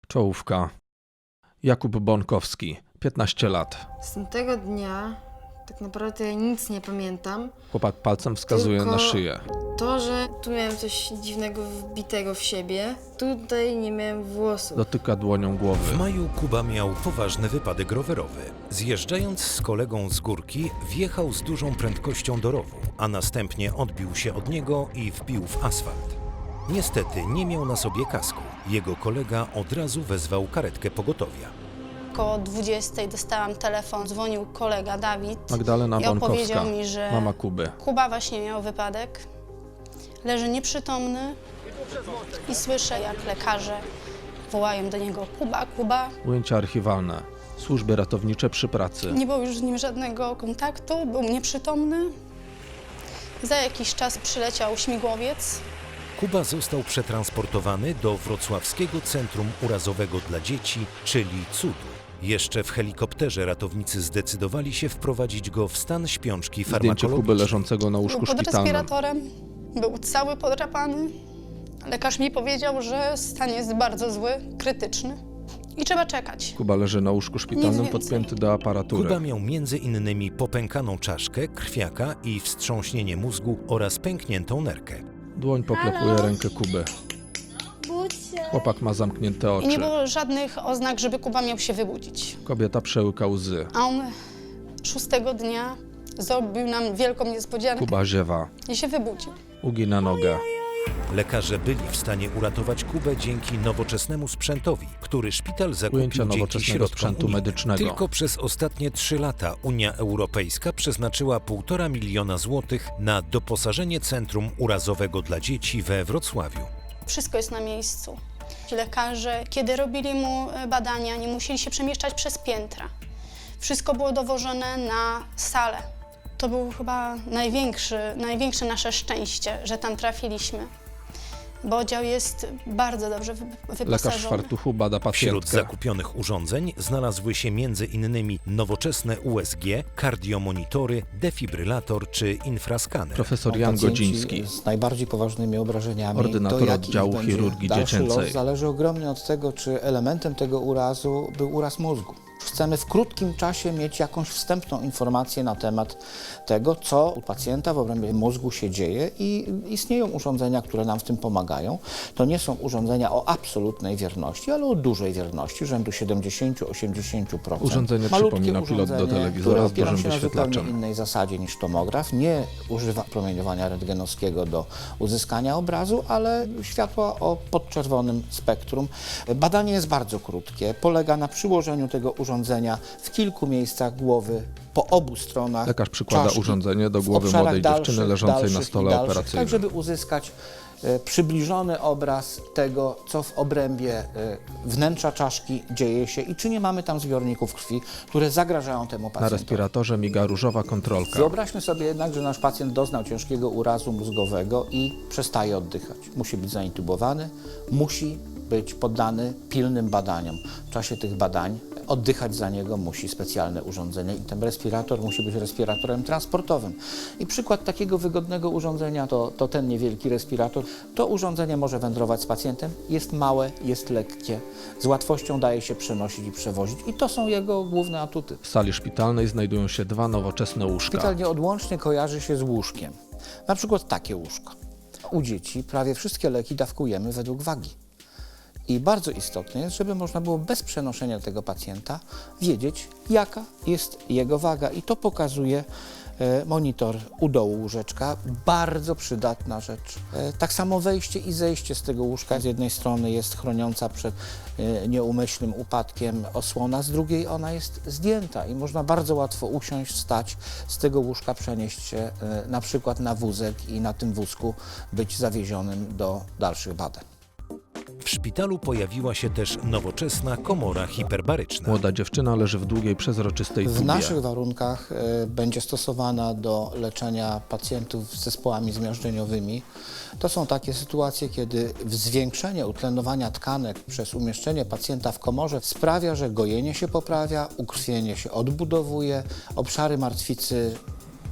Czołówka. Jakub Bonkowski, 15 lat. Z tamtego dnia tak naprawdę ja nic nie pamiętam. Chłopak palcem wskazuje Tylko na szyję. To, że tu miałem coś dziwnego wbitego w siebie, tutaj nie miałem włosów. Dotyka dłonią W głowy. maju Kuba miał poważny wypadek rowerowy. Zjeżdżając z kolegą z górki, wjechał z dużą prędkością do rowu, a następnie odbił się od niego i wbił w asfalt. Niestety nie miał na sobie kasku. Jego kolega od razu wezwał karetkę pogotowia. Około 20 dostałam telefon, dzwonił kolega Dawid Magdalena i Bonkowska, opowiedział mi, że mama Kuby. Kuba właśnie miał wypadek, leży nieprzytomny i słyszę, jak lekarze wołają do niego: Kuba, Kuba. Ujęcia archiwalne. Służby ratownicze przy pracy. Nie było już z nim żadnego kontaktu, był nieprzytomny. Za jakiś czas przyleciał śmigłowiec. Kuba został przetransportowany do Wrocławskiego Centrum Urazowego dla Dzieci, czyli CUDU. Jeszcze w helikopterze ratownicy zdecydowali się wprowadzić go w stan śpiączki Zdjęcie Kuby farmakologicznej. leżącego na Był łóżku pod szpitalnym. respiratorem, był cały podrapany. Lekarz mi powiedział, że stan jest bardzo zły, krytyczny i trzeba czekać. Kuba leży na łóżku szpitalnym Nic więcej. podpięty do aparatury. Kuba miał między innymi popękaną czaszkę, krwiaka i wstrząśnienie mózgu oraz pękniętą nerkę. Dłoń poklepuje rękę Kuby. Chłopak ma zamknięte I oczy. nie było żadnych oznak, żeby Kuba miał się wybudzić. Kobieta przełyka łzy. A on 6 dnia zrobił nam wielką niespodziankę Kuba ziewa. i się wybudził. Ugina nogę. Lekarze byli w stanie uratować Kubę dzięki nowoczesnemu sprzętowi, który szpital zakupił Ujęcia dzięki nowoczesnego środkom sprzętu unijnym. medycznego. Tylko przez ostatnie 3 lata Unia Europejska przeznaczyła 1,5 miliona złotych na doposażenie Centrum Urazowego dla Dzieci we Wrocławiu. Wszystko jest na miejscu. Ci lekarze, kiedy robili mu badania, nie musieli się przemieszczać przez piętra. Wszystko było dowożone na salę. To było chyba największe nasze szczęście, że tam trafiliśmy, bo oddział jest bardzo dobrze Lekarz w wyposażony. fartuchu bada Wśród pacjentkę. zakupionych urządzeń znalazły się m.in. nowoczesne USG, kardiomonitory, defibrylator czy infraskaner. Profesor Jan Pacjenci Godziński. z najbardziej poważnymi obrażeniami. Ordynator To, jaki oddziału będzie chirurgii dalszy dziecięcej. los, zależy ogromnie od tego, czy elementem tego urazu był uraz mózgu. Chcemy w krótkim czasie mieć jakąś wstępną informację na temat tego, co u pacjenta w obrębie mózgu się dzieje, i istnieją urządzenia, które nam w tym pomagają. To nie są urządzenia o absolutnej wierności, ale o dużej wierności, rzędu 70–80%. Urządzenie Malutkie przypomina pilot do urządzenie, telewizora które z opiera dużym się na wyświetlaczem. zupełnie innej zasadzie niż tomograf. Nie używa promieniowania rentgenowskiego do uzyskania obrazu, ale światła o podczerwonym spektrum. Badanie jest bardzo krótkie. Polega na przyłożeniu tego urządzenia w kilku miejscach głowy, po obu stronach Lekarz przykłada czaszki, urządzenie do w głowy obszarach młodej dziewczyny dalszych, leżącej na dalszych stole i dalszych, operacyjnym. tak żeby uzyskać przybliżony obraz tego, co w obrębie wnętrza czaszki dzieje się i czy nie mamy tam zbiorników krwi, które zagrażają temu Na pacjentowi. respiratorze miga różowa kontrolka. Wyobraźmy sobie jednak, że nasz pacjent doznał ciężkiego urazu mózgowego i przestaje oddychać. Musi być zaintubowany, musi być poddany pilnym badaniom. W czasie tych badań oddychać za niego musi specjalne urządzenie i ten respirator musi być respiratorem transportowym. I przykład takiego wygodnego urządzenia to ten niewielki respirator. To urządzenie może wędrować z pacjentem, jest małe, jest lekkie, z łatwością daje się przenosić i przewozić i to są jego główne atuty. W sali szpitalnej znajdują się 2 nowoczesne łóżka. Szpital nieodłącznie kojarzy się z łóżkiem. Na przykład takie łóżko. U dzieci prawie wszystkie leki dawkujemy według wagi. I bardzo istotne jest, żeby można było bez przenoszenia tego pacjenta wiedzieć, jaka jest jego waga. I to pokazuje monitor u dołu łóżeczka. Bardzo przydatna rzecz. Tak samo wejście i zejście z tego łóżka. Z jednej strony jest chroniąca przed nieumyślnym upadkiem osłona, z drugiej ona jest zdjęta i można bardzo łatwo usiąść, wstać z tego łóżka, przenieść się na przykład na wózek i na tym wózku być zawiezionym do dalszych badań. W szpitalu pojawiła się też nowoczesna komora hiperbaryczna. Młoda dziewczyna leży w długiej, przezroczystej W tubie. naszych warunkach będzie stosowana do leczenia pacjentów z zespołami zmiażdżeniowymi. To są takie sytuacje, kiedy zwiększenie utlenowania tkanek przez umieszczenie pacjenta w komorze sprawia, że gojenie się poprawia, ukrwienie się odbudowuje, obszary martwicy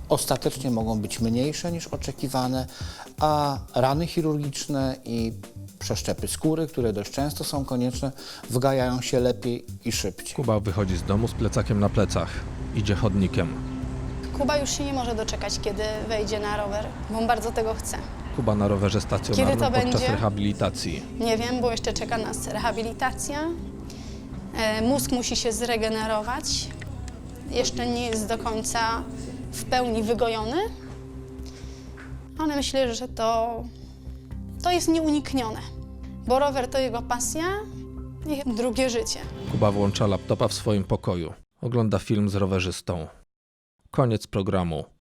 ostatecznie mogą być mniejsze niż oczekiwane, a rany chirurgiczne i Przeszczepy skóry, które dość często są konieczne, wgajają się lepiej i szybciej. Kuba wychodzi z domu z plecakiem na plecach. Idzie chodnikiem. Kuba już się nie może doczekać, kiedy wejdzie na rower, bo on bardzo tego chce. Kuba na rowerze Kiedy stacjonarnym to podczas będzie? rehabilitacji. Nie wiem, bo jeszcze czeka nas rehabilitacja. Mózg musi się zregenerować. Jeszcze nie jest do końca w pełni wygojony, ale myślę, że to jest nieuniknione, bo rower to jego pasja i drugie życie. Kuba włącza laptopa w swoim pokoju. Ogląda film z rowerzystą. Koniec programu.